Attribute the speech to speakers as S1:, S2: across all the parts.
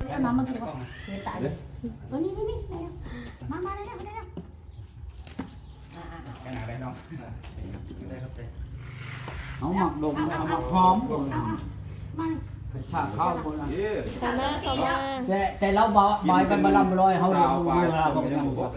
S1: เอาน้ำมากินก่อนเดี๋ยวตายเลยนี่มาได้แล้ว
S2: แค่ไหนได้น้องได้ครับ
S3: เอาหมักดมเอาหมักหอม
S1: มา
S3: ชาข้าวคนละ
S4: เข้ามา
S3: แต่เราบายกันมาลำลอยเขาดูเราบอกยังบอก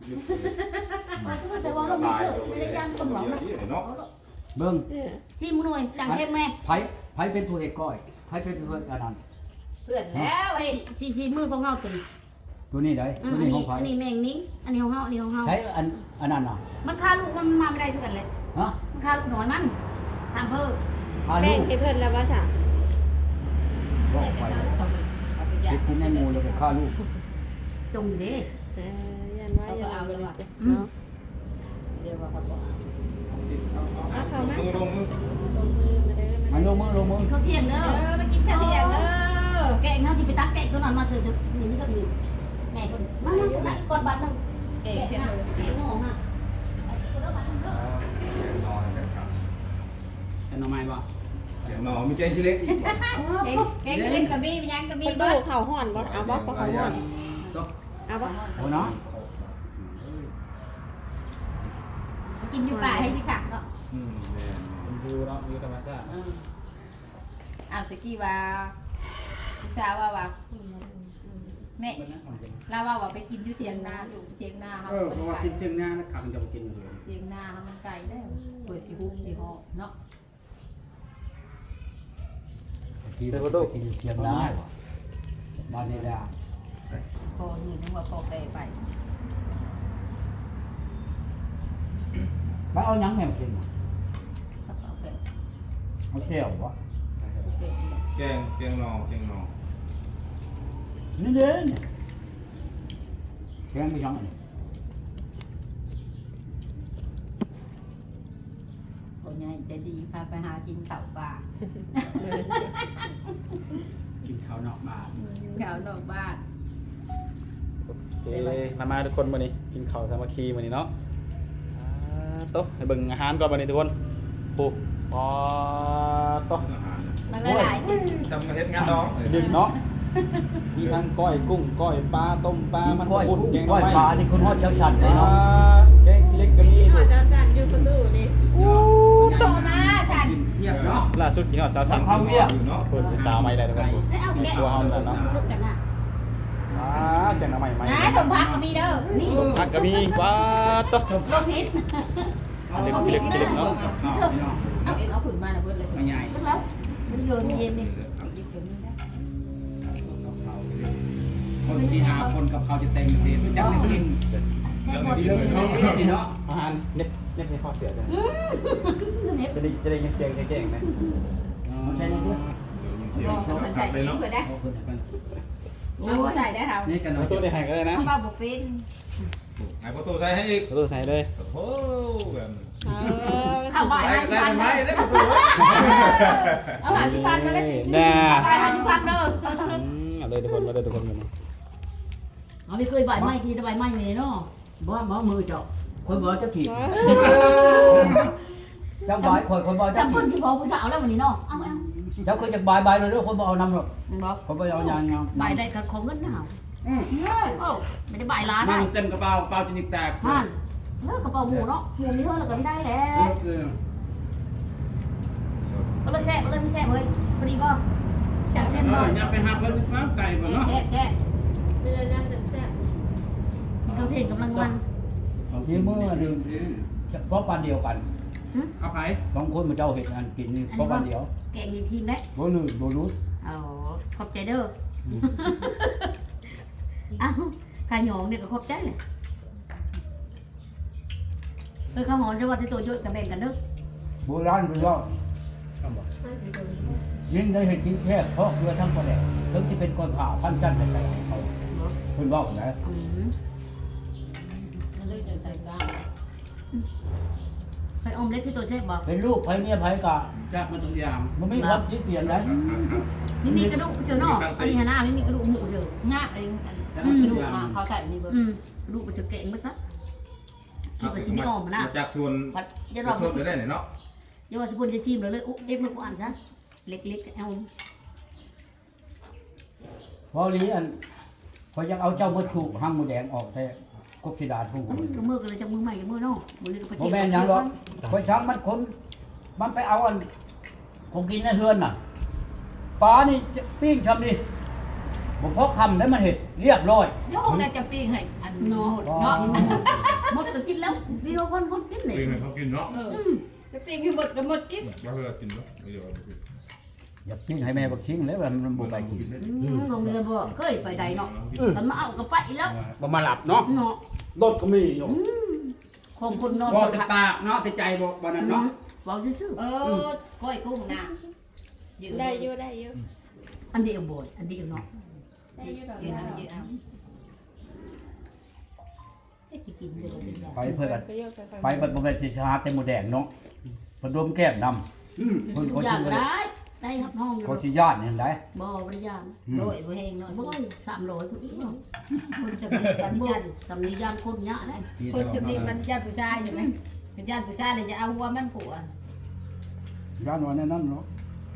S1: แต่ว่าเราไม่เชื่อไม่ได้ย่างคนหรอกนะ
S3: เบิ้ง
S1: ชิมหน่อยจังเข้มแม่
S3: ไผเป็นผู้เอกก้อยไผเป็นผู้อันนั้น
S1: เพื่อนแล้วเฮ้ยซีมือของเงาตัว
S3: ตัวนี้ได้ตัวนี้ของไผ
S1: อันนี้แมงนิ้งอันนี้ของเงาอันนี้ของเงา
S3: ใช้อันนั้นน่ะ
S1: มันฆ่าลูกมันมาไม่ได้ทุกกันเลย
S3: ฮะ
S1: มันฆ่าลูกน้อยมันทำเพิ่ม
S4: แบ่งให้เพิ่นแล้วว่าซะ
S3: บอกไปกินในหมูแล้วก็ฆ่าลูก
S1: จงอยู่ดิ
S4: ยันว่าอย่าเอาเลยเนาะ
S1: เดี๋ยวว่าเขาบอก
S4: เข้ามา
S2: มือลงมือ
S3: มันลงมือ
S1: เขาเที่ยงเด้อมากินข้าวเที่ยงเด้อแกงเขาที่ไปตักแกงตัวนั้นมาเสิร์ฟนี่ก็ดีแม่คนมาก่อนบัตรนึงแกงเที่ยงเลยน้องฮะ
S2: นอนกันครับ
S3: เป็นน้องไม้บ่
S2: เดี๋ยวนอนมีใจที่เล็กอีก
S1: แกงเล่นกับบี้ยังกับบี้
S4: เพิ่นดูข้าวฮ้อนบ่เอาบ่ข้าวฮ้อนเอาบ่
S3: โอ้เนาะ
S1: กินอยู่ป่าให้ที่ขักเนาะ
S2: ดูเนาะดูธรรมชาติ
S1: ตะกี้ว่าพี่สาวว่าแม่เราว่าไปกินอยู่เทียงนาอยู่เทียงนาครับ
S3: เพราะว่ากินเที่ยงหน้านะขังจะกินเลย
S1: เทียงนาครับมันไก่ได้เปิดสีหุบสีหอเนาะ
S3: กินเที่ยงหน้าบ้านนี้แหละ
S1: พอนี่นึกว่าพอแก่ไป
S3: มาเอาหยังแม่กิน
S1: กระเป๋าแก่
S3: เอาเจียววะ
S1: แก่
S2: แกงนอ
S3: นี่เด้เนี่ยแกงไปยังไง
S1: คนใหญ่ใจดีพาไปหากินเต่าป่า
S3: กินข้าวนอกบ้าน
S1: แถวนอกบ้าน
S5: โอเคมาทุกคนวันนี้กินข้าวสามัคคีวันนี้เนาะโต๊ะให้เบิ่งอาหารก่อนวันนี้ทุกคนปูปอโต๊ะ
S1: มันหลาย
S2: ทำเฮ็ดงานดอง
S5: ดึกเนาะมีทั้งก้อยกุ้งก้อยปลาต้มปลามัน
S3: ก้อย
S5: กุ้งแกงหน่
S3: ก้
S5: อ
S3: อย
S5: ไม้
S3: ปลานี่คุณฮอดเช้าชัดเลยเนาะ
S5: แกงขี้เล็กก็มี
S4: ขอเจ้าสั่นอยู่ประตูนี่
S1: โตมาสัน
S3: เทียบเนาะ
S5: ล่าสุดกินหอดสาวสั่ง
S3: ข้าวเวียด
S2: เนาะ
S5: คนไปสาวใหม่ได้ทุกคน
S1: เอาแกะ
S5: ตัวเฮานั่นเนาะ
S1: สึกกันน่ะ
S5: แกงหน่อไม้ใหม่
S1: นะสมพักก็มีเด้อนี่
S5: ผักก็มีว้าโต๊ะ
S1: ลมพิษ
S5: ขี้เล็กเนาะ
S1: เอาเองเอาขุนมาน่ะเบิดเลย
S3: ไม่ใหญ่
S1: จังแล้วมันโยนเย็นนี่หยิบเก็บนี่ได้
S3: คนสี่ห้าคนกับเขาจะเต็มสิจักไม่กิน
S1: แซ่บหมด
S3: นี่เนาะ
S5: อาหารเน็ตให้ข้อเสียจ้ะ
S1: เน็บ
S5: จะได้ยินเสียงเก่งๆไหม
S3: ใช่นี่ด้วย
S1: บอกคนใส่เองเผื่อได้เอาใส่ได้ครับ
S3: นี่กัน
S5: เอาตัวได้หายก็ได้นะ
S1: เอามาบุกเป็น
S2: ไอ้ประตูใส่ให้อีก
S5: เอาตัวใส่เลย
S2: โอ้โหแบบ
S1: เอาใบ
S2: ใส่
S1: 50,000
S2: ทำไมได้ประตู
S1: เอา50,000มาได้สิ
S5: น่า
S1: เอาใบ50,000เด้อ
S5: เอาเลยทุกคนมาเลยทุกคนมา
S1: เอาไม่เคยใบไม้ทีแต่ใบไม้นี่เนาะ
S3: บ่มือเจ้าคนบ่จะขี่เจ้าบายคนบ่จะ
S1: จำค
S3: ขี่
S1: นที่พอผู้สาวแล้ววันนี้เนาะเอา
S3: เจ้าเคยจะบายเลยด้วยคนบ่เอานำหรอก
S1: เห็นบ่
S3: คนบ่เอายัง
S1: ใบได้ของเงินนะโอ้ไม่ได้ใบล้าน
S3: มั
S1: ได้
S3: นเต็มกระเป๋าเปล่าจนแตก
S1: ท่านเลิกกระเป๋าหมูเนาะหมูนี่เท่าไหร่ก็ไม่ได้แล้วก็เลยแซ่บก็เลยไม่แซ่บเลยพอดีป่ะจัดเต็มเลย
S3: อย่าไปหักแล้วครับไก่บ่เนาะ
S1: แกะ
S4: ไม่ได้นั่งแซ่บ
S1: เขาเทกำลังมัน
S3: ที่มือนึงเพราะปานเดียวกันเอาไปสองคนมาเจ้าเห็ดอันกินนี่เพราะปานเดียว
S1: แกงดีทีมได้
S3: บ่ลืมบ่รู้
S1: อ๋อขอบใจเด้ออ้าวขายหยองเนี่ยก็ขอบใจเลยข้าวหอมจะว่าที่ตัวย่อยกับแบ่งกันเด้อ
S3: โบราณคือว่ายิ่งได้เห็นกินแค่เพราะเพื่อทั้งประเดกถึงจะเป็นคนผ่าพันจันทร์แต่เขาคุณบอกนะ
S1: ไข่อมเล็กที่ตัวเชฟบอก
S3: เป็นลูกไผเมียไผกะจากมาทุกอย่างมันไม่ครับที่เปลี่ยนได้
S1: ไม่มีกระดูกเจอเนาะอันนี้ฮะหน้าไม่มีกระดูกหมูเจองาบเองกระดูกมาเขาใส่นี่เบอร์กระดูกมันจะเก่งมั้ยซะคิดว่าสิไม่ออกมานะ
S2: จากชวน
S1: พัดจะร
S2: ช
S1: อ
S2: วนไปได้เนาะ
S1: อย่าว่าสกุลจะซีมเลยอุ๊เอ็กมันกูอ่านซะเล็กๆเอา
S3: พอบ่ลีอันเขายังเอาเจ้ามาชูห้างหมูแดงออกแต่กบสิดาผู้
S1: ก็มือกันเลยจากมือใหม่กับมือน้องมือนี้ก็
S3: บ่แม่นหยังหรอกคนช้างมันคนมันไปเอาอันของกินในเฮือนน่ะปลานี่ปิ้งชำนี่บ่พอคำได้มันเฮ็ดเรียบร้อย
S1: โยกน่าจะปิ้งให้อันนอเนาะหมดก็กินแล้วเดียวคนกินเลย
S2: ปีนเขากินเนาะ
S1: จะปิ้งให้หมดก็หมดกิน
S2: เราเคยกินเนาะเดี๋ยว
S3: อย่าปิ้งให้แม่บักชิงแล้วมันบ่ไปกิน
S1: โรงเรียนบ่เคยไปใดเนาะมันมาเอาก็ไปแล้ว
S5: บ่มาหลับเนาะ
S1: เนาะ
S5: รถก็มีอยู่
S1: ของคนนอน
S5: บ่แต่ปากเนาะแต่ใจบ่นั่นเนาะ
S1: เว้าซื่อก้อยกุ้งน่ะ
S4: ได้อยู่ได้อยู่
S1: อันเดียวบ่อันเดียวเนาะ
S4: ได้อยู่ดอก
S1: เดี๋ยวเอาเดี๋ยวเอาไอ้ที่กินเดี๋ยวเป็นแบบ
S3: ไปเพิ่นกัน
S4: ไปเยอะไป
S3: ไปเพิ่นบ่แม่นสิชาแต่หมูแดงเนาะเพิ่นดมแก้มดำเพิ่น
S1: ทุกอย่างได้ครับห้อง
S3: เขาสิย่านเห็นได้
S1: บ่บริยามโดยบ่แห้งเนาะบ่300คนอีกเนาะคนจะมีกันบ่สำนียามคนยะแหละ
S6: คนจะมีมันญาติผู้ชายใช่ไหมเป็นญาติผู้ชายเลยจะเอาหัวมันผัว
S3: ย่านว่าแน่นั้นเนาะ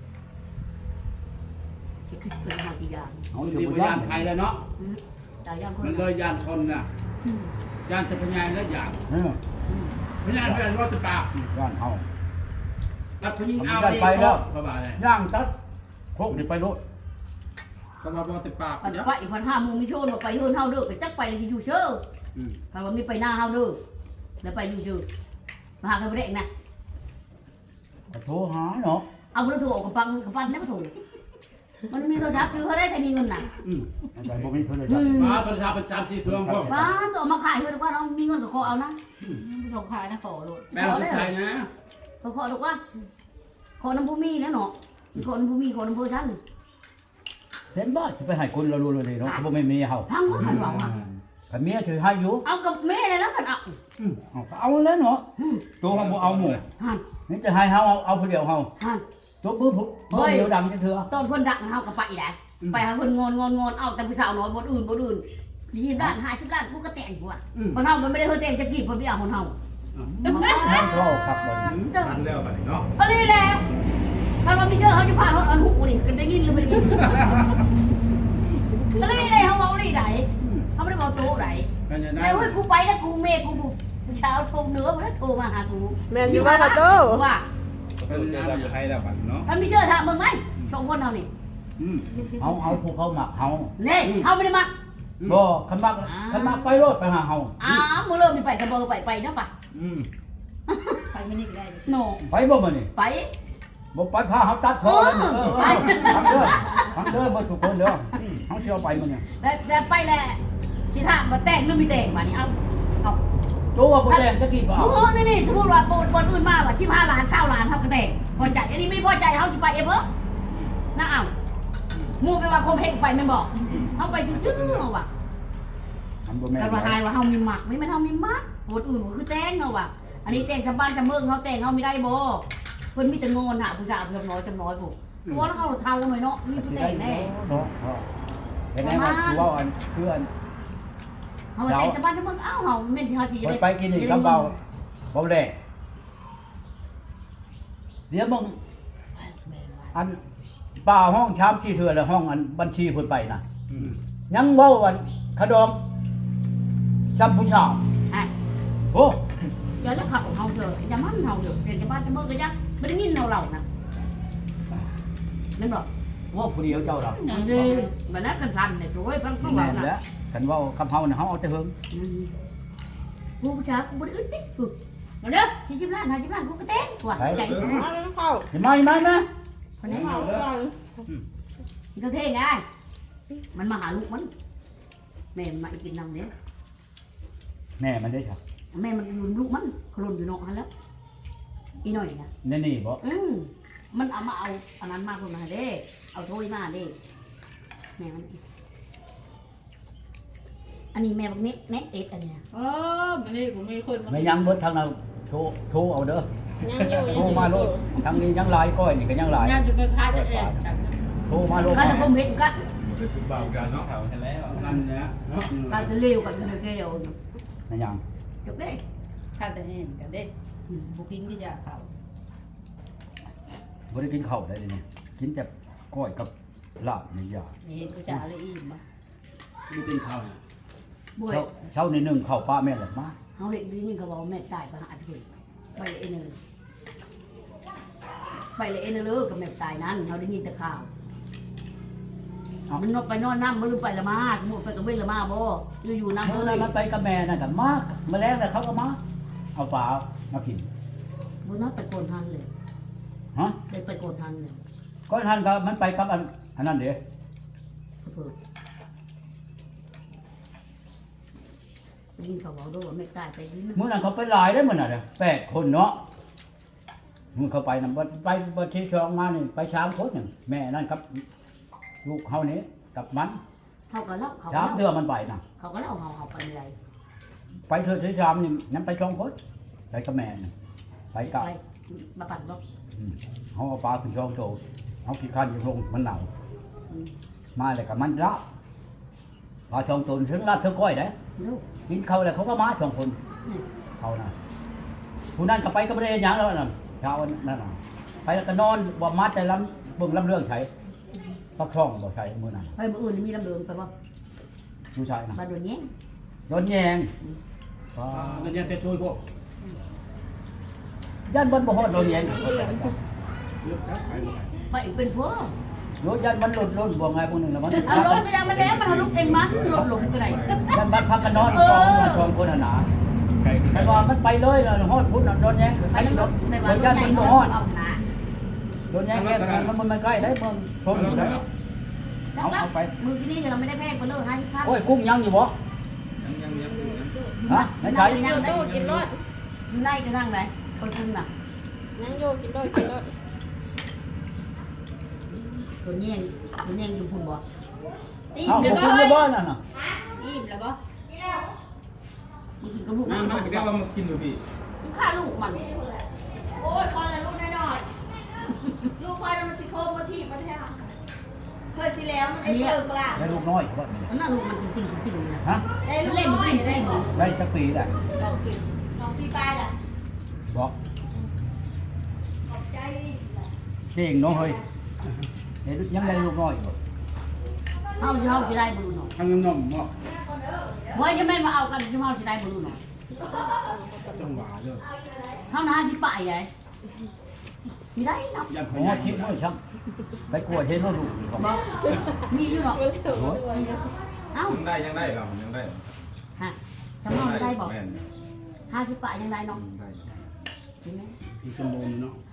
S1: เป็นหาที่ยาม
S3: เอา
S5: มัน
S3: อยู่
S5: มี
S3: บ่
S5: บ่
S3: ย่า
S5: ย่าน นไผแล้วเนาะ
S1: ตายยามคน
S5: มันเลยย่านคนน่ะย่านแต่พญายแล้วย่านพญายแม่นว่าแต่ปาก
S3: ย่านเฮา
S5: แล้วผู้หญิงเอาเองก็ว่าเลย
S3: ย่างตัดโคกนี่ไปโลด
S5: ก็ว่าบ่แต่ปาก
S1: ปัน
S5: เนาะ
S1: ไปพัน5โมงมีโชว์ไปเฮือนเฮาเด้อก็จักไปสิอยู่เชื่อถ้าว่ามีไปหน้าเฮาเด้อแล้วไปอยู่ชื่อมาหากันบ่ได้นะ
S3: ก็โทรหาเนาะ
S1: เอาบ่โทรกับปันได้บ่โทรมันมีโทรศัพท์ซื้อเขาได้แต่มีเงินน่ะ
S3: แต่บ่มีเพิ่นเลยจ้ะ
S5: มาประชาประจำที่เครื่องพวก
S1: ป้าตัวมาขายเฮือนว่าน้องมีเงินก็ขอเอานะ
S6: ผู้ชมขายนะขอโลด
S5: แม่ผู้ชายนะ
S1: ขอลูกว่าขอน้ำผู้มีแล้วเนาะขอน้ำผู้มีขอน้ำผู้ชั้น
S3: เห็นบ่สิไปให้คนเรารู้เลยเนาะบ่แม่นเมียเฮา
S1: ทางว่ากันว่า
S3: ถ้าเมียช่วยให้อยู่
S1: เอากับแม่เลยแล้วกันเอา
S3: เอาก็เอาแล้วเนาะตัวเฮาบ่เอาหมู่
S1: หัน
S3: นี่จะให้เฮาเอาผู้เดียวเฮา
S1: หัน
S3: ตัวมือผู้เดียวดำจังเถื่อ
S1: ตอนคนดักเฮากับไปได้ไปหาคนงอนเอาแต่ผู้สาวน้อยบ่อื่น20 ล้าน50 ล้านกูก็แต่งกูอ่ะคนเฮามันไม่ได้เฮาแต่งจะกี่คนพี่เอาคนเฮา
S3: นั่นก็ครับบ่
S2: ทันแล้วบัดนี้เนาะ
S1: ก็นี่แหละถ้าเราไม่เชื่อเขาจะพาเขาอันหูนี่กันได้ยินหรือไม่ได้ยินก็เลยได้เขาเอาได้ไหนเขาไม่ได้บอกโต๊ะไหน
S5: เป็นยังไง
S1: แล้วเฮ้ยกูไปแล้วกูเมย์กูเช้าโทรเหนือมาแล้วโทรมาหากู
S4: แม่นอยู่ว่าละโต
S1: ว่า
S2: เป็นยังไงให้แล้วบัดเนาะ
S1: ถ้าไม่เชื่อถามมึงไหมสองคนเรานี่
S3: เอาพวกเขามักเฮา
S1: นี่เขาไม่ได้มา
S3: บ่คันมักไปโลดไปหาเฮา
S1: มึงเริ่มมีไปกระเบอร์ไปนะป่ะ
S6: ไปไม่นี่ก็ได้
S1: โน
S3: ไปบ่มื้อนี้
S1: ไป
S3: บ่ไปพาเฮาตัดคอเลยไปทำเด้อบ่ทุกคนเด้อเฮาสิเอาไปมื้อนี้
S1: แล้วไปแล้วที่ถามมาแต่งหรือไม่แต่งมานี่เอา
S3: ตัวว่าบ่แดงจะกี่บ่เอา
S1: โอ้นี่สมมติว่าบนอื่นมาว่า15 ล้าน20 ล้านเท่ากระแต่งพอใจอันนี้ไม่พอใจเขาจะไปเองเหรอน่าเอามูไปว่าคมเฮงไปไม่บอกเขาไปซื่อๆเอาว่ะ
S3: อันบ่แม่น
S1: กันว่าหายว่าเขามีหมักไม่แม่นเขามีหมักบนอื่นก็คือแต่งเอาว่ะอันนี้แต่งชาวบ้านชาวเมืองเขาแต่งเขาไม่ได้บ่เพิ่นมีแต่งอนหาผู้สาวจำน้อยปุ๊บเพราะแล้วเขาเท่ากันไหมเนาะมีผู้แต่งแน่
S3: เนาะเห็นไหมว่าคือว่าอันเพื่อน
S1: เขาแต่งชาวบ้านชาวเมืองเอ้าเขาเม่นที่เขาสิ
S3: ไปกินนี่กับเบาแดงเดี๋ยวมึงอันป่าห้องชามที่เถื่อแล้วห้องอันบัญชีเพิ่นไปนะยังเว้าวันขดองจำผู้ชาว
S1: อ่ะ
S3: โอ้
S1: อย่าเลิกขับของเขาเถอะอย่ามั่นเขาเถอะแต่ชาวบ้านชาวเมืองก็ยังไม่ได้ยินเรานะนั่นบอก
S3: ว่าผู้เดียวเจ้าเรา
S1: นี่มันนักกันทันเนี่ยโอ้ยฟังฟัง
S3: แม่
S1: เรา
S3: นแล้วคันเว่าคำเฮาน่ะเฮาเอาแต่เฮิง
S1: กูผู้ชายกูบ่ได้อึดดิมาเด้อ40 ล้าน50 ล้านกูก็เต้นว่ะใจ
S4: เอาแล้วเข้า
S3: เห็นไหมนะ
S1: คนนี้
S4: เอาแล้ว
S1: มันก็เท่ไงมันมาหาลูกมันแม่มาอีกกินน้ำเด้
S3: แม่มันได้ค่ะ
S1: แม่มันอยู่ลูกมันขลุ่นอยู่นอกหันแล้วอีหน่อยนะ
S3: นี่บ่
S1: มันเอามาเอาอันนั้นมาคนมาเด้เอาถ้วยมาเด้แม่มันอันนี้แม่บักเน็ตเอ็ดอันเนี้ย
S6: อ๋อมันนี่ผมมีคน
S3: ไม่ยังเบิดทางเราโทรเอาเด้อ
S4: ยังอยู่
S3: โทรมาโลดทางนี้ยังหลายก้อยนี่ก็ยังหลาย
S6: งานจะไปค้าจะแอบ
S3: โทรมาโลด
S1: ก็จะคมเห็นกัน
S2: เป็นบ่าวกันเนาะ
S5: นั่นแหละ
S1: ก็จะเร็วกับเร็ว
S3: นะยัง
S1: จบเด้
S6: ค้าจะเห็นกันเด้บุกินที่ยาเขา
S3: บ่ได้กินข้าวได้นี่กินแต่ก้อยกับลาบนี่ยาก
S6: เห็นผู้ชายเลยอิ่มบ่
S4: ดูกินข้าวเนี่ย
S1: บ่อย
S3: เช้านี่นึ่งข้าวปลาแม่นแหละมา
S1: เขาเห็นดีนี่เขาบอกแม่ตายไปหาอาทิตย์ไปเอ็นเลยไปเลยเอ็นเลยกับแม่ตายนั้นเขาได้ยินแต่ข่าวมันนกไปนอนน้ำมือไปละมาหมดไปกับเว้นละมาบ่อยู่ๆน้ำ
S3: เมื่
S1: เล
S3: อย มันไปกับแม่นั่นกันมากแมลงแล้วเขาก็มาเอาปลามากิน
S1: บ่นัดไปโกนทันเลย
S3: ฮะ
S1: เลยไปโกนทันเลย
S3: ก็ท่านก็มันไปกับอันนั้นเด้
S1: เพิ่นยินเขาบอกด้วยว่าแม่ตายไปนี่
S3: มื้อนั้นเขาไปหลายได้อมื้อน่ะเด้อ8คนเนาะมื้อเขาไปนำไปบ่ที่สองมานี่ไป3คนนึงแม่นั่นกับลูกเฮานี่กับมัน
S1: เขาก็เล่าเขา
S3: สามเทื่อมันไปน่ะ
S1: เขาก็เล่าเขาไปอะไร
S3: ไปเทื่อที่สามนี่นั้นไป2คนไปกับแม่นี่ไปกับ
S1: ไปมาปั่นบ่
S3: เขาเอาปลาขึ้นช่องโตเอาขี้คันอยู่ลงมันหนาวมาเลยกับมันละปลาช่องโตถึงลาดเธอก้อยได้
S1: ลูก
S3: กินเขาเลยเขาก็มาช่องคน
S1: นี่
S3: เขานะผู้นั้นก็ไปก็ไม่ได้หยังแล้วนั่นเช้านั่นน่ะไปแล้วก็นอนว่ามัดแต่ลำเบิ่งลำเรื่องใช้ปักช่องบ่ใช้มือนั้น
S1: เฮ้ยมื้ออื่นนี่มีลำเดิงไปบ่
S3: ผู้ชายนะ
S1: บ้านโดนแย้ง
S3: โดนแยงว้า
S4: นั่นยังจะช่วยพวก
S3: ยันบนบ่ฮอดโดนแยง
S4: เลือกครับไปหมด
S1: ไปอีกเป็นพวก
S3: โยยันมันหลุดบ่ไงพวกนึงแล้วมัน
S1: เอารถไปยังมาแล้วมันทะลุเองมันรถหลงก็ได้
S3: ยันมันพักกันนอนกองมาช่องคนหนา
S2: ไก่
S3: แต่ว่ามันไปเลยนะฮอดพุ่นน่ะโดนแยง
S1: ไป
S3: ไอ้
S1: ยัง
S3: ร
S1: ร
S3: ถ
S1: ถใน
S3: โด
S1: บ้าน
S3: น
S1: ร
S3: ยั
S1: ถ
S3: น
S1: ใหญ่
S3: มัน
S1: ร
S3: บ่
S1: ถ
S3: ฮอด
S1: เอาหนา
S3: โดนแยงแก้มันใกล้ได้เมืองชนอยู่แล้ว
S1: แล้วแล้วมือที่นี่ยังไม่ได้แพงไปเลยให้พัน
S3: โอ้ยกุ้งยังอยู่บ่
S4: ยัง
S3: ฮะไม่ใช่
S1: ยังได้
S6: ตู้กินรถ
S1: ในกระทั่งไหนคนคุณน่ะ
S6: นั่งโยกินรถกินรถ
S1: ตัวแย้งอยู่พุ่นบ่
S6: อิ่
S3: เอา
S6: มแล้ว
S3: กุ้ง
S6: บ่
S3: อยู่บ้านน่ะน่ะ
S6: อิ่มแล้วบ่
S1: มึงกินกับลูก
S2: น้ำน้ำแก้วมากินดูพี่
S1: มึงฆ่าลูกมัน
S7: โอ้ยพอแล้วลูกน้อยๆลูกควายมันสิโค้งมาทีมันแท้เคยสิแล้วมันไอ้เพิ่มกลาง
S3: ได้ลูกน้อยบ่นี่
S1: อันนั้นลูกมันจริงๆเลยนะ
S3: ฮะ
S7: ได้ลูก
S1: เล่น
S7: น้อย
S1: วิ่ง
S7: ได้
S1: เล่น
S7: ของ
S3: ได้จักปีได้
S7: พี่ป้ายล่ะ
S3: บ่
S7: ขอบใจ
S3: เก่งเนาะเฮ้ยเห็นยังได้ลูกน้อยอยู่
S1: เอาจะได้บุญหน่อย
S4: ทางนมเนาะ
S1: เฮ้ยจะแม่มาเอากันจะเอาจะได้บุญหน่อย
S4: จังหวะเลย
S1: เท่านั้นสิไปไงมีได้เนาะ
S4: ยันพ
S3: โอ้
S4: ยาย
S3: คิดน้อยช่างไปกลัวเห็นว่าลูกอยู่บ่
S1: บอกมีอยู่เนาะ
S3: โอ้ย
S1: เอ้า
S2: ยังได้เรายังได้
S1: ฮะจำนวนได้บอก
S2: แม่น
S1: 50 บาทยังได้เนาะ
S4: อีกชั่วโมงเนาะ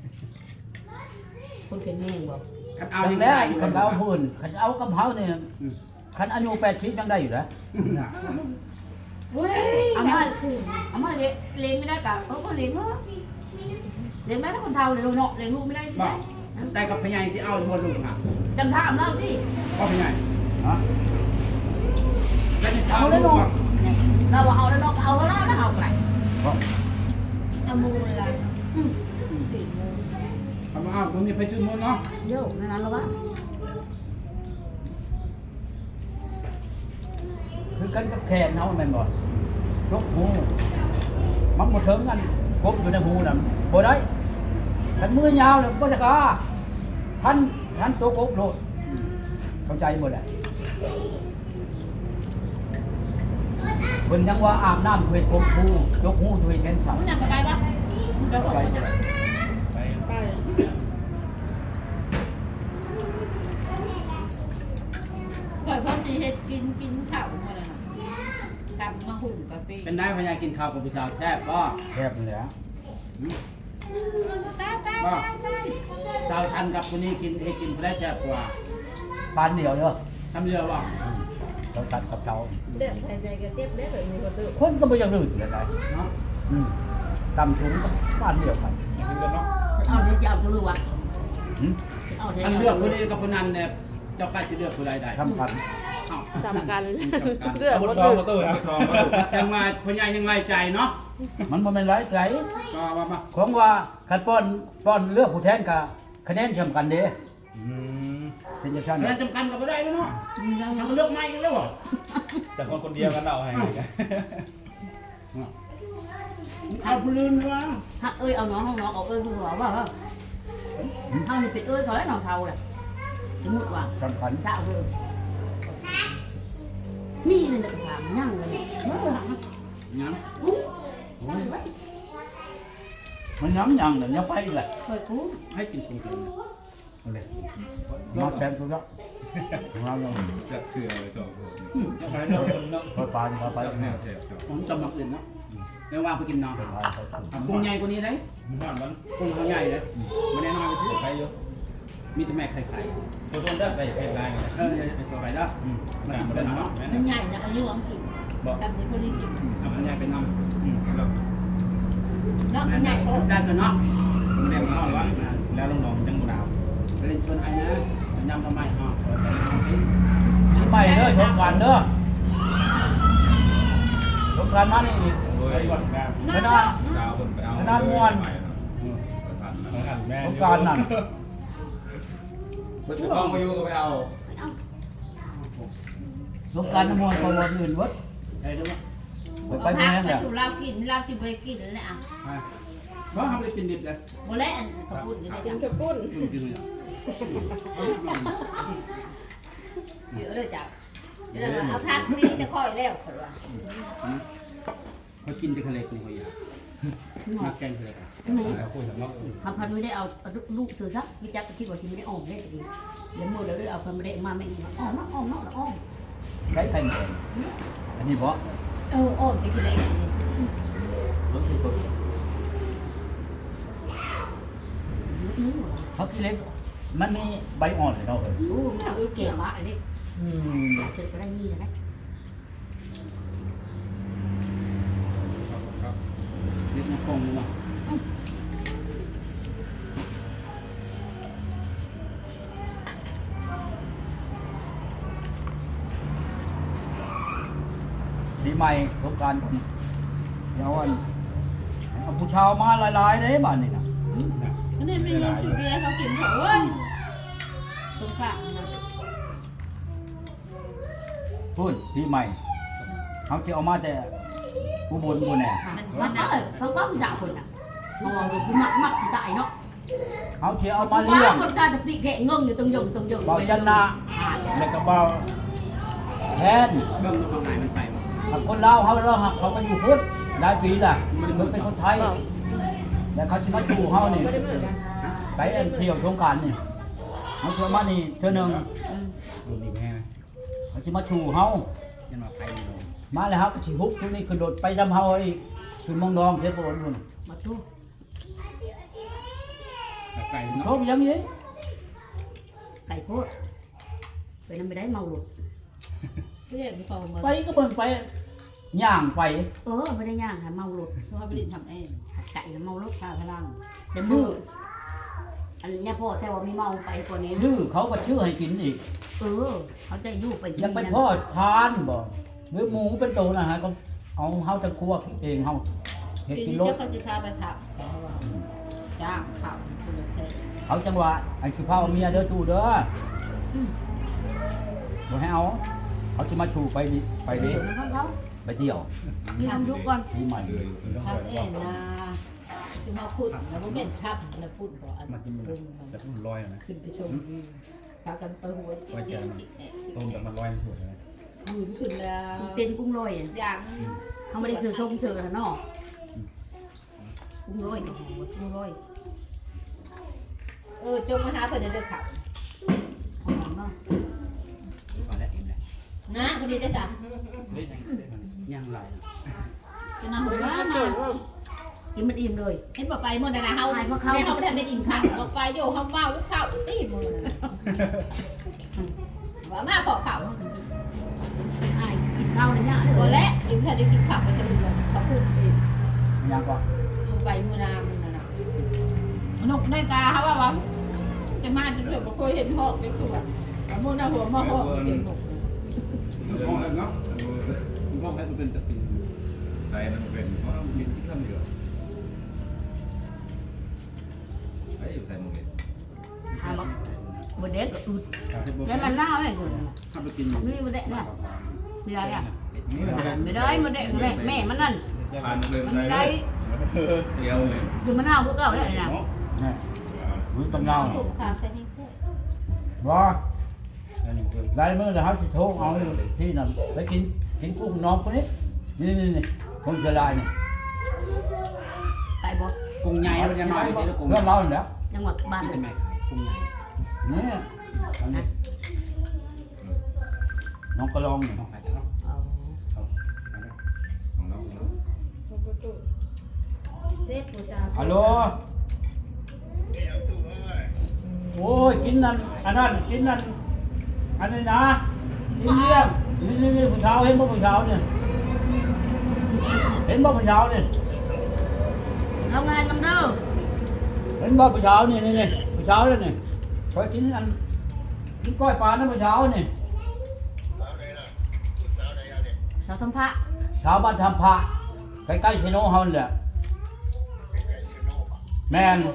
S1: คนเก่งแน่บอก
S4: คันเอา
S3: เอา
S4: ยัง
S3: แล้ว
S4: ได้อยู่
S3: คันเอาพื้นคันเอากับเฮาเนี่ย
S4: อืม
S3: คันอายุ80ยังได้อยู่นะ
S6: เว้ย
S1: เอามาเลี้ยงไม่ได้กะก็เลี้ยงเนาะเลี้ยงได้ถ้าคนเฒ่าเลยเนาะเลี้ยงลูกไม่ได้
S4: บอกแต่กับพยายที่เอาอยู่บนลูกค่ะ
S1: จำท่าอำนาจที่
S4: ก็พยาย
S3: ฮะ
S4: แล้วจะเอาลูกบอก
S1: เราเอาแล้วเนาะเอาแล้วนะเอาไป
S3: บ่
S6: เอามูเลยล่ะ
S1: อืม
S6: 4 โมง
S4: ทำมาเอาผมมีไปชื่อมือเนาะ
S1: โยกในนั้นแล้ววะ
S3: คือกันกับแขนเฮาแม่นบ่ยกหูมันบ่ถึงกันกบอยู่ในหูน่ะบ่ได้คันมือยาวแล้วบ่ได้กล้าท่านตัวกบโลดเข้าใจบ่ได้เพิ่นยังว่าอาบน้ำเฮ็ดกบหูยกหูด้วยแขนสั่น
S1: มึงอยากไปปะ
S3: ไป
S2: ไป
S6: ไปปล่อยพ่อสิเฮ็ดกินข้าวมาเลยกลับมาหุ่มกะปิ
S4: เป็นได้พยายกินข้าวกับผู้สาวแซ่บบ่
S3: แคบนี่แหละ
S4: บ่สาวชันกับคนนี้กินให้กินได้แซ่บกว่า
S3: ปานเดียวเด้อ
S4: ทำเรือบ่
S3: เราตัดกับเจ้า
S6: เดือดใจก็เจ็บได้แบบนี้ก็ตื้อ
S3: คนก็บ่อยังลื่นเลยได้
S4: เนาะ
S3: ตำถุงก็ปานเดียวกัน
S2: กินกันเนาะ
S1: เอาเดี๋ยวจะเอาตัวรู้วะ
S3: หึ
S1: เอาเดี๋ยว
S4: อัน
S1: จะ
S4: เลือกคนนี้กับคนนั้นเนี่ยเจ้าใกล้จะเลือกผู้ใดได้
S3: สำคัญ
S4: เอ้า
S6: จำกัน
S2: เลือดบนท้องตู้นะท้อง
S4: ยังมาพยายยังไล่ใจเนาะ
S3: มันบ่แม่นหลายไกล
S4: ก็ว่ามา
S3: ของว่าคันป้อนเลือกผู้แทนกับคะแนนสำคัญเด้เป็นจังซั่น
S4: เงินจำกันกับไม่ได้เนาะทำเลือกไม่กันแล้วบ่
S2: จากคนเดียวกันเอาให้กัน
S4: เอาผู้ลื่นวะ
S1: ถ้าเอาน้องห้องน้องเอาคุณบอกว่าเท่านี้เป็นเขาแล้วน้องเท่าแหละสมมติว่า
S3: สำคัญ
S1: สาวเพิ่มนี่นี่นะถามนั่งเลยเมื่อไหร่
S4: ยัง
S1: กู
S3: มันย้ำยังเดี๋ยวยังไปอีกแหละ
S1: เคยกู
S4: ให้กินกุ้งกัน
S3: เอาเลยมาแทนตัวละของเราเรา
S2: จะเสือเลยจบ
S5: ไปเนาะเนาะ
S3: ไปปานไป
S2: แนวแถบจบ
S4: ผมจำมาอื่นเนาะเดี๋ยววางไปกินนอนกุ้งใหญ่กว่านี้เลย
S2: มันห่อนมัน
S4: กุ้งเขาใหญ่เลยไม่ได้น้อยไปที่
S2: ใครเยอะ
S4: มีแต่แม่ไข่
S2: ตัวต้นได้ไปเป็นไรกัน
S4: เออไปตัวไปแล้ว
S2: มันกินเป็นเนาะ
S6: มันใหญ่นะอายุของกินแบบนี้พอดีกิน
S4: เอามันใหญ่ไปน้อง
S2: แล้ว
S6: เนาะมันใหญ่โต
S4: ได้ตัวเนาะ
S2: มันแนวมันห่อนวะแล้วลงน้องจังหนาว
S4: ไปเล่นชวนไอ้นะยำทำไมอ๋อ
S3: นี่ไปเด้อชมกันเด้อชมกันมานี่อีก
S2: โดยวันกลาง
S3: ขนาด
S2: ดาวคนไปเอา
S3: ขนาดม่วน
S2: แม่
S3: ชมกันนั่น
S2: เปิดกล้องมาอยู่ก็ไปเอา
S3: ชมกันน้ำมวยคนวันอื่นวัด
S4: ได้ด้วย
S3: ไป
S6: เอา
S3: ไป
S6: พัก
S3: แม่ง
S6: ไป
S3: เนี่ย
S6: สู่ลาวกินลาวสิบเลยกินเลยอ่ะ
S4: เพราะทำไปกินดิบเลย
S6: โมเล่นกระปุ้นก็ได้จ้ะ
S4: กินเลย
S6: เดี๋ยวเลยจ้ะเดี๋ยวเอาพักนี่จะค่อยแล้วคนว่า
S4: เขากินแต่ทะเลกุ้งเขาอยากมาแกงทะเลกัน
S2: แล้วคุยกับน้อง
S1: คำพันไม่ได้เอาลูกซื้อซักวิจักคิดว่าชิไม่ได้อ้อมได้แต่ดีแล้วมือแล้วเอาพันไม่ได้มาไม่ดีมาอ้อมนะอ้อมเนาะอ้อม
S3: ใช้ไข่แดงอันนี้เพราะ
S1: อ้อมสิคือเล็ก
S3: รถที่สุดเขาที่เล็กมันมีใบอ่อนเลยเนาะ
S1: โอ้ไม่เอาเก่งมากเลย
S3: อืม
S1: เกิดก็ได้ยี่เลยนะ
S4: เล็กน้ำปงเลยว่ะ
S3: ดีใหม่สงการผมเดี๋ยวอันเอาผู้ชาวมาหลายๆเด้บ้านนี่นะ
S6: อันนี้มีเงินซื้อเบียร์เขากินเถอะเว้ยสงสารนะ
S3: พูดดีใหม่เขาจะเอามาแต่อุบลบุแน่
S1: มันเออเขาก็ด่าคนอ่ะมองดูมักสิตายเนาะ
S3: เขาจะเอามาเลี้ยง
S1: คนกลายจะปีแกะเงิงอยู่ตรงยง
S3: เบาจันนาแล้วก็เบาแทน
S4: เบิ่งตรงไหนมันไปวะ
S3: ถ้าคนลาวเขาก็อยู่พุทธหลายปีล่ะมันเป็นคนไทยแล้วเขาจะมาอยู่เขานี่ไปเที่ยวสงกรารนี่เขาเชื่อมานี่เท่านึง
S2: ดูนี่แม่
S3: เขาจะมาชูเขา
S4: ยันว่าไปเลย
S3: มาแล้วเขาก็ชิฮุบทุกนี้คือโดดไปดำเฮาอีกคือมองดองเทปโอนนู่น
S1: มาดู
S4: ไก่เนาะ
S3: เขาไปยังนี้
S1: ไก่โคตรไปนั่นไม่ได้เมาหลุด
S6: ไม่ได้มีความมา
S3: ไปก็เบิ่งไปย่างไป
S1: ไม่ได้ย่างค่ะเมาหลุด
S6: เพราะว่าไปเล่นทำเอง
S1: ไก่แล้วเมาหลุดข้าวพลังเดี๋ยวมืออันนี้พ่อแต่ว่ามีเมาไปกว่านี้
S3: ชื่อเขาก็ชื่อให้กินอีก
S1: เขาจะยู่ไป
S3: ยังไปพ่อทานบ่หรือหมูเป็นตัวนะฮะก็เอาเฮาจะคั่วเองเฮาเฮ็ด
S6: ที
S3: กิน
S6: นี้
S3: รส
S6: เจ้าเขาจะพาไปขับจ้างขับคุณเซ่
S3: เขาจังหวะไอ้คือข้าวเมียเด้อตู้เด้อบ่ให้เอาเขาจะมาชูไปดิไปดิ
S1: เดี๋ยวนะเขา
S3: ไปเที่ยว
S1: มีทำยุกก่อน
S3: ปีใหม่
S2: เลยต้อง
S6: ขั
S2: ค
S6: บ
S2: อย
S6: เองนะคือมาพูดแล้วก็เป็นขับแล้วพูดบอกอัน
S2: มากินมันแต่ต้องลอยนะ
S6: ขึ้นไปชมพากันไปหัวจิต
S2: ต้มแต่มันลอยหัวเลย
S6: หืนขึ้นแล้ว
S1: เป็นกุ้งลอย
S6: อย่าง
S1: เขาไม่ได้ซื้อส้มซื้อแล้วเนาะกุ้งลอยกุ้งลอย
S6: จงมาหาเพื่อนเดินขับ
S1: หอมเนาะ
S4: เอาละเอ็มเลย
S6: นะคนนี้ได้สั่ง
S4: ย่างไร
S6: จะนำหัวมา
S1: กินมันอิ่มเลย
S6: เห็นบอกไปเมื่อนะเฮาในเฮาไม่ทันได้กินข้าวบอกไปโยเฮาเมาลูกข้าวตีมือว่ามาพอข้าว
S1: ไอ้กินข้าวในย่าเลย
S6: ตัวแรกยิ่งแค่ได้กินข้าวไปจะรู้เขาพูดเอง
S3: ยังก็
S6: มือไปมือนามือนั่นน่ะนกได้ตาเขาว่าจะมาจะด้วยบอกเคยเห็นหอกได้คือแบบมือหน้าหัวมาหอกเห็นหก
S4: ห้องแล้วเนาะห้องแล้วมันเป็นตะปิน
S2: ใส่มันเป็นเพราะเรากินที่ข้ามเดือดไอ้ใส่หมดเลย
S1: หาบอกบนเด็กก็อึด
S4: แล้
S1: แล้วมันเล่าอะไรคน
S4: ทำไปกิน
S1: นี่บนเด็กเนี่ยไม่ได้อ่ะ
S2: นี่
S1: ไม่ได้บนเด็กแม่มันนั่น
S2: ผ่านเลย
S1: มันไม่ได้
S2: เดียวเลย
S1: อยู่มะนาวพวกเก่าได้นะ
S3: นี่รู้ตำเนา
S6: ถูกข้าวใส่ให้เสื้อ
S3: ว่าลายมือนะครับจะโทรเอาที่นั่นไปกินกุ้งน้องคนนี้นี่คนเชียงรายนี่
S1: ไปบ่
S4: กุ้งใหญ่มันจะน้อยที่กุ้ง
S3: เรื่องเราเนี่ย
S1: จังหวัดบ้าน
S4: เป็นไหมกุ้งใหญ่
S3: นี่อันนี้น้องกระลองนี่
S4: ไปแล้ว
S1: เอา
S2: ของเรา
S7: เจ็ดผู้สาว
S3: ฮัลโหลโอ้ยกินนั่นอันนั้นกินนั่นอันนี้นะกินเลี้ยงนี่ผู้สาวเห็นบ่ผู้สาวเนี่ยเห็นบ่ผู้สาวเนี่ย
S1: ทำงานกันเด้อ
S3: เห็นบ่ผู้สาวนี่ผู้สาวเลยนี่คอยกินอันกินก้อยปลานะผู้สาวนี่
S1: สาวทำพระ
S3: ชาวบ้านทำพระใกล้ๆพี่โน้เฮาเนี่ยแม่น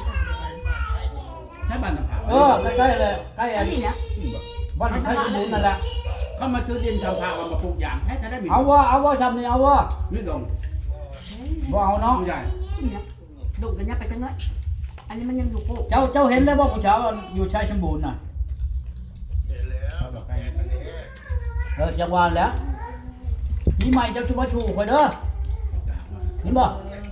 S4: ใช่บ้านตะเผา
S3: ใกล้ๆเลยใกล้
S1: อั
S3: อั
S1: น
S3: น
S1: นี้นะ
S3: บ้านใช้ดินนั่นแหละ
S4: เขามาซื้อดินทำพามาปลูกอย่างแค่จะได้มี
S3: เอาว่าทำนี่เอาว่า
S4: ไม่ดง
S3: บ่เอาเนาะ
S4: กุ้งใหญ่
S1: นี่นะดุกันยับไปจังเลยอันนี้มันยังอยู่โป๊ะ
S3: เจ้าเห็นแล้วว่าผู้สาวอยู่ชายสมบูรณ์น่ะจังหวะแล้วปีใหม่เจ้าชูมาชูข่อยเด้อเห็นบ่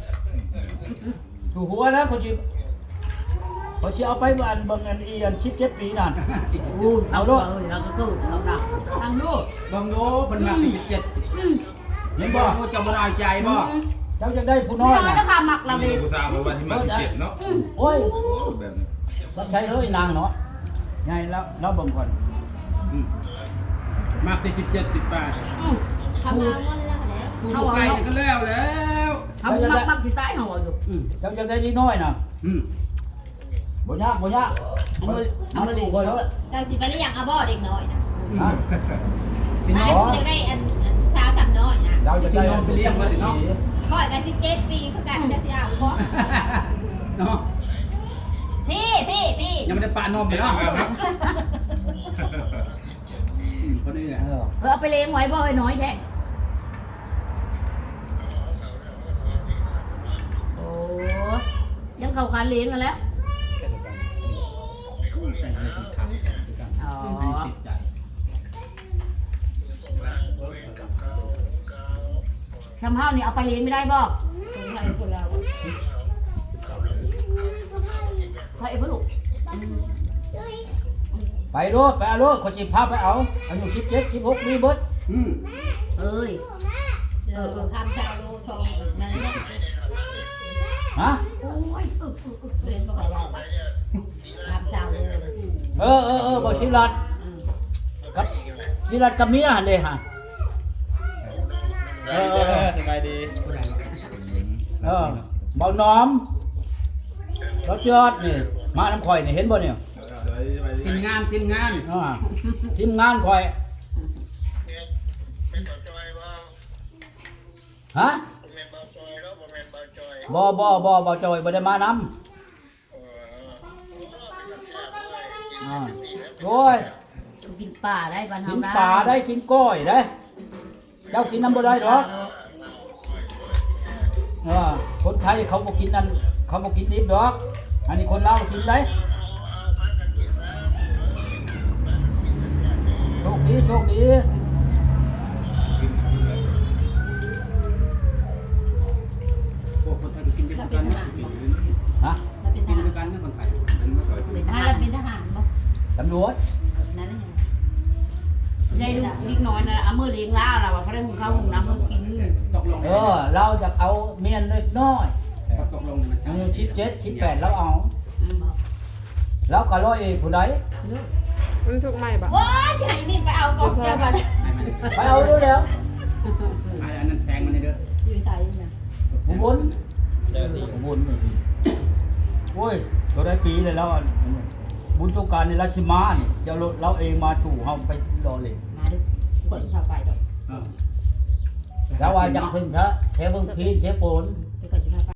S3: ชูหัวแล้วเขาสิเอาไปบ้านเบิ่งอันอีอัน17ปีนั่น
S1: อู้เอาด้วยเราก็กู้เราดักทางนู้น
S4: บางโน้เป็นมา17
S3: เห็น
S4: บ่
S3: บ่
S4: จะบ่ได้ใจบ่
S3: เจ้าจะได้ผู้
S1: น้
S3: น้
S1: อ
S3: อย ย
S1: แล้
S3: น่ะ
S1: วค่ะหมักเราเลย
S2: ผู้สาวบอกว่าที่มาที่เจ็ดเนาะ
S3: โอ้ย
S2: แบบนี้
S3: รับใช้เลยนางเนาะไงแล้วเบิ่งก่อน
S4: มากที่17 18
S7: ทำงานวันแล้วแล้ว
S4: กูไกลก็แล้วแล้ว
S1: เขามักที่ใต้เขาอยู่
S3: เจ้าจะได้ดีน้อยน่ะ บ่ยากมันถูกคนแล้ว
S7: เราสิไปเรียกอาบ่เด็กน้อยนะ
S3: ฮะ
S4: พี่น้
S7: ไอ้
S4: อง
S7: ผู้จะได้อันสาวทำน้อยนะ
S3: เราจะได้
S4: ไปเลี้ยงมาถึงเนาะ
S7: คอยกัน17 ปีคือกันจะสิเอาบ่
S4: เนาะ
S7: พี่
S4: ยังไม่ได้ปานมเลยเนาะคนนี้แหละ
S1: เอาไปเลี้ยงไว้บ่อยน้อยแท้โอ้ยังเข้าการเลี้ยงกันแล้ว
S4: แต่งอะไรติดขัดอ๋อติดใจ
S1: ทำข้าวนี่เอาไปเลี้ยงไม่ได้บ่ใครเพื่อนลูก
S3: ไปรถเอารถคนจีพาไปเอาอายุ17 16มีเบิด
S1: เอ้ย
S7: ทำชาวโลทองนั่นแหละ
S3: ฮะ
S1: โอ้ย
S7: เรียนบ่ได้ทำชาวโล
S3: บ่ศิรัตกับศิรัตกับเมียหั่นเด้ฮะ
S5: สบายดี
S3: เบาน้อมรถยอดนี่มาน้ำข่อยนี่เห็นบ่เนี่ย
S4: ทีมงาน
S3: ทีมงานข่อยฮะบ่จอยบ่ได้มานำโอ้ย
S1: กินป่าได้บ้าน
S3: กิ
S1: เฮาน ได้
S3: ปลาได้กินก้อยได้เจ้ากินน้ำบ่ได้หรอกคนไทยเขาบ่กินนั่นเขาบ่กินดิบดอกอันนี้คนลาวกินได้โชคดี
S4: พวกคนไทยกินด้วยกันนะ
S3: ฮะ
S7: เราเป็นท
S4: กิน
S7: หาร
S4: ด้วยกันนะคนไทย
S1: เป็นท
S7: เรา
S1: หาร
S7: เป็นทหารบ่
S3: ตำรวจ
S7: นั่นแหละ
S1: ยายลูกนิดน้อยนะเอามือเลี้ยงล่าเราเขาได้หุงข้าวหุงน้ำมากิน
S4: ตกลง
S3: เราจะเอาเมียนเล็กน้อย
S4: ตกลงในมัน
S3: อายุ17 18แล้วเอาแล้วก็ร้อยเอกผู้ใด
S8: มันถูกไหมปะ
S7: โอ้ยสิให้นี่ไปเอากองเจ้าบัด
S3: ไปเอาดูแล้ว
S4: อันนั้นแซงมันเด้อ
S7: อยู่ไสนะ
S3: อุบล
S5: เจ้าที่
S3: อุบลโอ้ยเราได้ปีเลยแล้วบุญสงกรานต์ในราชมาเนี่ยเจ้าเราเองมาถูเฮาไปรอเลย
S7: มาดิกดพาไปดอก
S3: แล้วว่าจังขึ้นซะแถวเบิ่งพีนแถวโปน
S7: เดี๋ยวก็สิพาไป